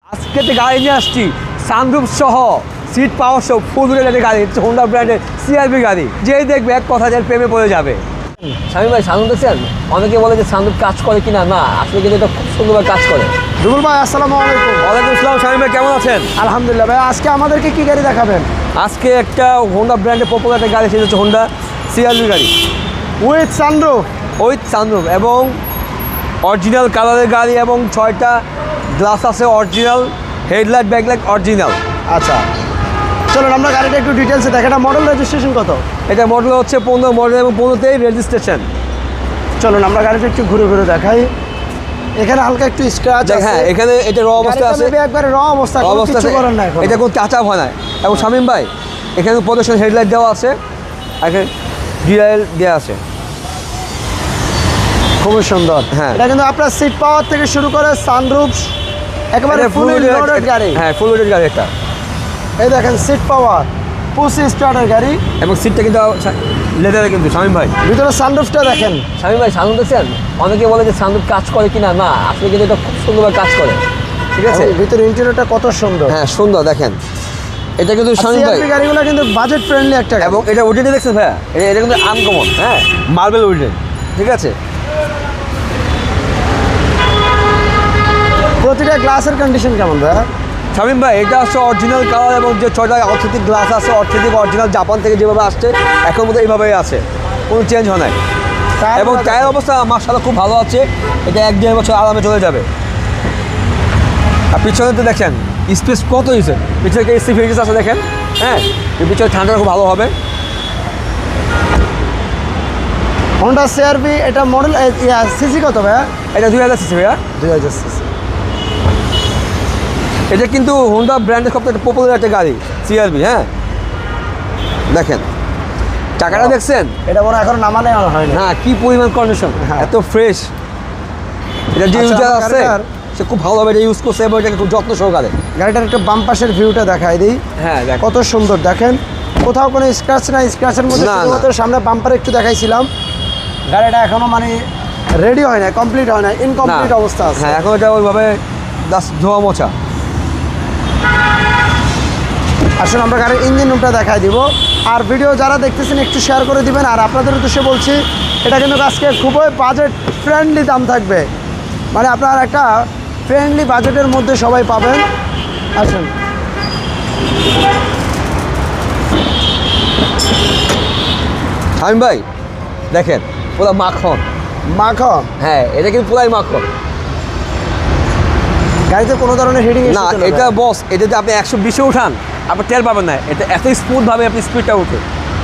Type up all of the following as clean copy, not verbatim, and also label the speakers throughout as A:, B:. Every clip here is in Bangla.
A: আজকে যে গাড়ি নিয়ে আসছি সানরুফ সহ সিট পাওয়ার সহ ফুল একটা গাড়ি হচ্ছে হোন্ডা ব্র্যান্ডের সিআরভি গাড়ি। যেই দেখবে এক কথা যার প্রেমে পড়ে যাবে। স্বামী ভাই সানরুফ দেখছেন, অনেকে বলে যে সানরুফ কাজ করে কিনা, না আসলে কিন্তু এটা খুব সুন্দরভাবে কাজ করে।
B: রুবুল ভাই আসসালামু আলাইকুম।
A: ওয়ালাইকুম আসসালাম। স্বামী ভাই কেমন আছেন?
B: আলহামদুলিল্লাহ ভাই। আজকে আমাদেরকে কি গাড়ি দেখাবেন?
A: আজকে একটা হোন্ডা ব্র্যান্ডের পপুলার একটা গাড়ি, সেটা হচ্ছে হোন্ডা সিআরভি গাড়ি
B: উইথ সানরুফ।
A: উইথ সানরুফ এবং অরিজিনাল কালারের গাড়ি এবং 6টা গ্লাস আছে অরিজিনাল, হেডলাইট ব্যাকলাইট অরিজিনাল।
B: আচ্ছা চলুন আমরা গাড়িটা একটু ডিটেলসে দেখে। এটা মডেল রেজিস্ট্রেশন কত?
A: এটা মডেল হচ্ছে 15 মডেল এবং 15তেই রেজিস্ট্রেশন।
B: চলুন আমরা গাড়িটা একটু ঘুরে ঘুরে দেখাই। এখানে হালকা একটু স্ক্র্যাচ আছে।
A: হ্যাঁ, এখানে এটা র অবস্থা আছে,
B: একবারে র অবস্থা, কোনো কিছু করার নাই এখন।
A: এটা কোনো কাঁচা হয় না। এবং শামীম ভাই এখানে প্রদর্শন হেডলাইট দেওয়া আছে, এখানে ডিআইএল দেওয়া আছে,
B: খুবই সুন্দর।
A: হ্যাঁ।
B: এটা কিন্তু আপনার সিট পাওয়ার থেকে শুরু করে সানরুফ একেবারে ফুল লোডেড গাড়ি।
A: হ্যাঁ, ফুল লোডেড গাড়ি এটা।
B: এই দেখেন সিট পাওয়ার, পুশি স্টার্টার গাড়ি
A: এবং সিটটা কিন্তু লেদারে কিন্তু। শামীম ভাই
B: ভিতরে সানরুফটা দেখেন।
A: শামীম ভাই সানরুফ দেখছেন, অনেকে বলে যে সানরুফ কাজ করে কিনা, না আসলে কিন্তু এটা খুব সুন্দরভাবে কাজ করে। ঠিক আছে,
B: এবং ভিতরে ইন্টেরিয়রটা কত সুন্দর।
A: হ্যাঁ সুন্দর। দেখেন এটা কিন্তু শামীম ভাই,
B: সিআরভি গাড়িগুলো কিন্তু বাজেট ফ্রেন্ডলি একটা গাড়ি।
A: এবং এটা উডেনই দেখছেন ভাইয়া, এটা কিন্তু আনকমন। হ্যাঁ, মার্বেল উডেন। ঠিক আছে,
B: প্রতিটা গ্লাসের কন্ডিশন কেমন ভাইয়া?
A: শামীম ভাই এটা হচ্ছে অরিজিনাল কালার এবং যে 6টা অর্থনৈতিক গ্লাস আছে, অর্থনৈতিক অরিজিনাল জাপান থেকে যেভাবে আসছে এখন মতো এইভাবেই আছে, কোনো চেঞ্জ হয় নাই। এবং টায়ার অবস্থা মাশাআল্লাহ খুব ভালো আছে। এটা 1-1.5 বছর আরামে চলে যাবে। আর পিছনে তো দেখেন স্পেস কত হয়েছে, পিছনে এসি ফিচার্স আছে দেখেন। হ্যাঁ, এই পিছনে ঠান্ডাটা খুব ভালো হবে।
B: হোন্ডা সিআরভি এটা মডেল সিসি কত ভাইয়া?
A: এটা 2000 সিসি ভাইয়া,
B: 2000 সিসি।
A: এটা কিন্তু হোন্ডা ব্র্যান্ডের সবথেকে পপুলার একটা গাড়ি সিআরভি। হ্যাঁ দেখেন টাকাটা দেখছেন,
B: এটা মনে হয় এখন নামানো হয় না।
A: না কি পরিমাণ কন্ডিশন,
B: হ্যাঁ।
A: এত ফ্রেশ। এটা যে
B: আচ্ছা,
A: ইউজার
B: আমার
A: আছে
B: গাড়িটার-
A: সে খুব ভালোভাবে এটা ইউজ করছে এবং এটাকে খুব যত্ন সহকারে।
B: গাড়িটার একটা বাম পাশের ভিউটা দেখাই দিই।
A: হ্যাঁ দেখ,
B: কত সুন্দর দেখেন, কোথাও কোনো স্ক্র্যাচ নাই। স্ক্র্যাচের মধ্যে
A: না, না।
B: শুধুমাত্র সামনে বাম্পার একটু দেখাইছিলাম। গাড়িটা এখনো মানে রেডি হয় না, কমপ্লিট হয় না, ইনকমপ্লিট অবস্থা আছে।
A: হ্যাঁ এখন এটা ওইভাবে ধোয়া মোছা।
B: আসলে আমরা গাড়ির ইঞ্জিন রুমটা দেখাই দিব। আর ভিডিও যারা দেখতেছেন একটু শেয়ার করে দিবেন। আর আপনাদের উদ্দেশ্যে বলছি, এটা কিন্তু আজকে খুবই বাজেট ফ্রেন্ডলি দাম থাকবে, মানে আপনার একটা ফ্রেন্ডলি বাজেটের মধ্যে সবাই পাবেন। আসুন
A: শামীম ভাই দেখেন পুরো মাখন।
B: মাখন।
A: হ্যাঁ এটা কিন্তু পুরাই মাখন।
B: গাড়িতে কোনো ধরনের হিডিং
A: না এটা বস, এটা যদি আপনি 120-এ উঠান আপনি টের পাবেন না, এটা এত স্মুথভাবে আপনি স্পিডটা উঠে।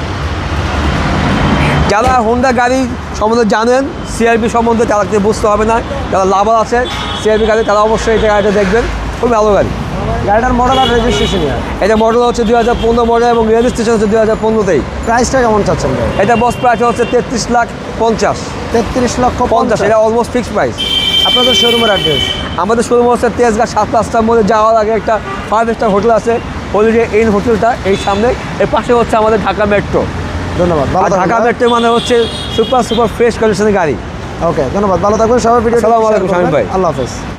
A: যারা হোন্ডা গাড়ি সম্বন্ধে জানেন, সিআরভি সম্বন্ধে তারা কিছু বুঝতে হবে না। যারা লাভার আছে সিআরভি গাড়ি তারা অবশ্যই এটা গাড়িটা দেখবেন, খুব ভালো গাড়ি।
B: গাড়িটার মডেল আর রেজিস্ট্রেশন
A: এটা মডেল হচ্ছে 2015 মডেল এবং রেজিস্ট্রেশন হচ্ছে 2015তেই।
B: প্রাইসটা কেমন চাচ্ছেন ভাই?
A: এটা বস প্রাইস হচ্ছে 33,50,000।
B: 33,50,000।
A: এটা অলমোস্ট ফিক্সড প্রাইস।
B: আপনাদের শোরুমের অ্যাড্রেস?
A: আমাদের শোরুম হচ্ছে তেজগাঁ 7 রাস্তার মধ্যে যাওয়ার আগে একটা 5 স্টার হোটেল আছে, হলিডে ইন হোটেলটা এই সামনে। এর পাশে হচ্ছে আমাদের ঢাকা মেট্রো।
B: ধন্যবাদ।
A: আর ঢাকা মেট্রো মানে হচ্ছে সুপার ফ্রেশ কন্ডিশনের গাড়ি।
B: ওকে ধন্যবাদ, ভালো থাকবেন সবাই। ভিডিও
A: আসসালামু আলাইকুম শামীম ভাই।
B: আল্লাহ হাফেজ।